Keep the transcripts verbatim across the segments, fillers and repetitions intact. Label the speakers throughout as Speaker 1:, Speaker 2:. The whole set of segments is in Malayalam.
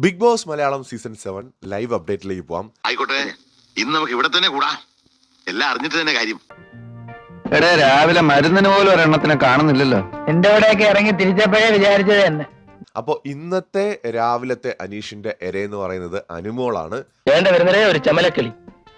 Speaker 1: Big boss Malayalam season seven live അപ്ഡേറ്റിലേക്ക് പോവാം.
Speaker 2: ആയിക്കോട്ടെ, ഇന്ന് നമുക്ക് ഇവിടെ തന്നെ കൂടാ. എല്ലാം അറിഞ്ഞിട്ട് തന്നെ കാര്യം.
Speaker 3: എടേ, രാവിലെ മരുന്നിന് പോലും ഒരെണ്ണത്തിനെ കാണുന്നില്ലല്ലോ.
Speaker 4: എന്റെ ഇവിടെയൊക്കെ ഇറങ്ങി തിരിച്ചപ്പോഴേ വിചാരിച്ചത് തന്നെ.
Speaker 1: അപ്പൊ ഇന്നത്തെ രാവിലത്തെ അനീഷിന്റെ എര എന്ന് പറയുന്നത് അനുമോളാണ്.
Speaker 4: വേണ്ട വരുന്നതേ ഒരു ചമലക്കിളി.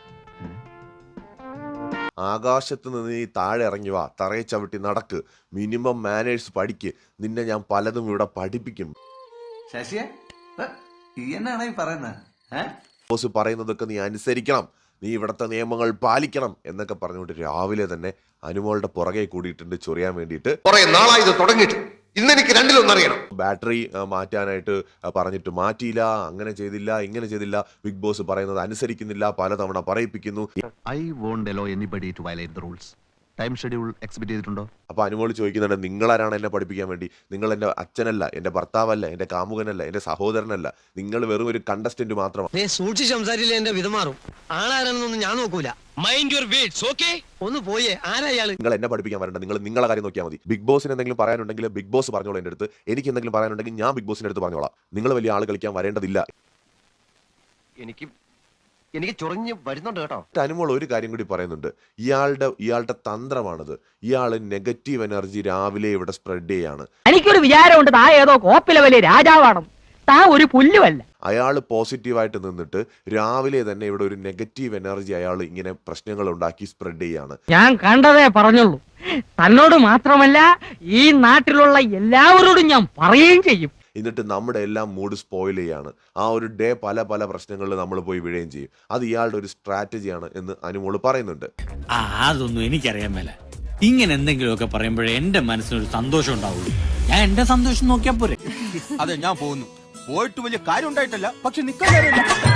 Speaker 1: ആകാശത്ത് നിന്ന് നീ താഴെ ഇറങ്ങി വാ, തറയെ ചവിട്ടി നടക്ക്, മിനിമം മാനേഴ്സ് പഠിക്ക്, നിന്നെ ഞാൻ പലതും ഇവിടെ പഠിപ്പിക്കും.
Speaker 5: ശശിയെ എന്നാണ് ഈ പറയുന്നത്?
Speaker 1: ബോസ് പറയുന്നതൊക്കെ നീ അനുസരിക്കണം, നീ ഇവിടുത്തെ നിയമങ്ങൾ പാലിക്കണം എന്നൊക്കെ പറഞ്ഞുകൊണ്ട് രാവിലെ തന്നെ അനുമോളുടെ പുറകെ കൂടിയിട്ടുണ്ട് ചൊറിയാൻ വേണ്ടിയിട്ട്.
Speaker 2: കുറെ നാളായി ഇത് തുടങ്ങിയിട്ട്, ഇന്നെനിക്ക് രണ്ടിലൊന്നറിയണം.
Speaker 1: ബാറ്ററി മാറ്റാനായിട്ട് പറഞ്ഞിട്ട് മാറ്റിയില്ല, അങ്ങനെ ചെയ്തില്ല, ഇങ്ങനെ ചെയ്തില്ല, ബിഗ് ബോസ് പറയുന്നത് അനുസരിക്കുന്നില്ല, പലതവണ പറയിപ്പിക്കുന്നു.
Speaker 6: I won't allow anybody to violate the rules. Time schedule expect ചെയ്തിട്ടുണ്ടോ?
Speaker 1: അപ്പൊ അനുമോൾ ചോദിക്കുന്നുണ്ട്, നിങ്ങളാരാണ് എന്നെ പഠിപ്പിക്കാൻ വേണ്ടി? നിങ്ങൾ എന്റെ അച്ഛനല്ല, എന്റെ ഭർത്താവല്ല, എന്റെ കാമുകനല്ല, എന്റെ സഹോദരനല്ല, നിങ്ങൾ വെറും ഒരു കണ്ടസ്റ്റന്റ് മാത്രമാണ്.
Speaker 7: സൂക്ഷിച്ച് സംസാരിച്ചില്ല എന്റെ വിധമാറും. ആളാരാണെന്നൊന്നും ഞാൻ നോക്കൂല. Mind your words, okay? ഒന്ന് പോയേ, ആരാ ഇയാള്?
Speaker 1: നിങ്ങൾ എന്നെ പഠിപ്പിക്കാൻ വരണ്ട, നിങ്ങൾ നിങ്ങളെ കാര്യം നോക്കിയാൽ മതി. ബിഗ് ബോസിന് എന്തെങ്കിലും പറയാനുണ്ടെങ്കിൽ ബിഗ് ബോസ് പറഞ്ഞോളൂ എന്റെ അടുത്ത്. എനിക്ക് എന്തെങ്കിലും പറയാനുണ്ടെങ്കിൽ ഞാൻ ബിഗ് ബോസിന്റെ അടുത്ത് പറഞ്ഞോളാം. നിങ്ങൾ വലിയ ആൾ കളിക്കാൻ വരേണ്ടതില്ല.
Speaker 7: എനിക്ക് എനിക്ക് ചൊറിഞ്ഞ് വരുന്നുണ്ട് കേട്ടോ.
Speaker 1: അനുമോൾ ഒരു കാര്യം കൂടി പറയുന്നുണ്ട്, ഇയാളുടെ ഇയാളുടെ തന്ത്രമാണത്. ഇയാള് നെഗറ്റീവ് എനർജി രാവിലെ ഇവിടെ സ്പ്രെഡ് ചെയ്യാണ്.
Speaker 4: എനിക്കൊരു വിചാരമുണ്ട്, താ ഏതോ കോപ്പിലെ വലിയ രാജാവാണ്, താ ഒരു പുല്ലുമല്ല.
Speaker 1: അയാൾ പോസിറ്റീവായിട്ട് നിന്നിട്ട് രാവിലെ തന്നെ ഇവിടെ ഒരു നെഗറ്റീവ് എനർജി അയാൾ ഇങ്ങനെ പ്രശ്നങ്ങൾ ഉണ്ടാക്കി സ്പ്രെഡ് ചെയ്യാണ്.
Speaker 4: ഞാൻ കണ്ടതേ പറഞ്ഞുള്ളൂ. തന്നോട് മാത്രമല്ല, ഈ നാട്ടിലുള്ള എല്ലാവരോടും ഞാൻ പറയുകയും ചെയ്യും.
Speaker 1: എന്നിട്ട് നമ്മുടെ എല്ലാം മൂഡ് സ്പോയിൽ ചെയ്യാണ്. ആ ഒരു ഡേ പല പല പ്രശ്നങ്ങളിൽ നമ്മൾ പോയി വീഴുകയും ചെയ്യും. അത് ഇയാളുടെ ഒരു സ്ട്രാറ്റജിയാണ് എന്ന് അനുമോള് പറയുന്നുണ്ട്.
Speaker 8: ആ അതൊന്നും എനിക്കറിയാൻ മേല. ഇങ്ങനെ എന്തെങ്കിലുമൊക്കെ പറയുമ്പോഴേ എന്റെ മനസ്സിനൊരു സന്തോഷം ഉണ്ടാവുള്ളൂ. ഞാൻ എന്റെ സന്തോഷം നോക്കിയാ പോരെ.
Speaker 5: അതെ, ഞാൻ പോകുന്നു. പോയിട്ട് വലിയ കാര്യം ഉണ്ടായിട്ടല്ല, പക്ഷെ നിൽക്കാൻ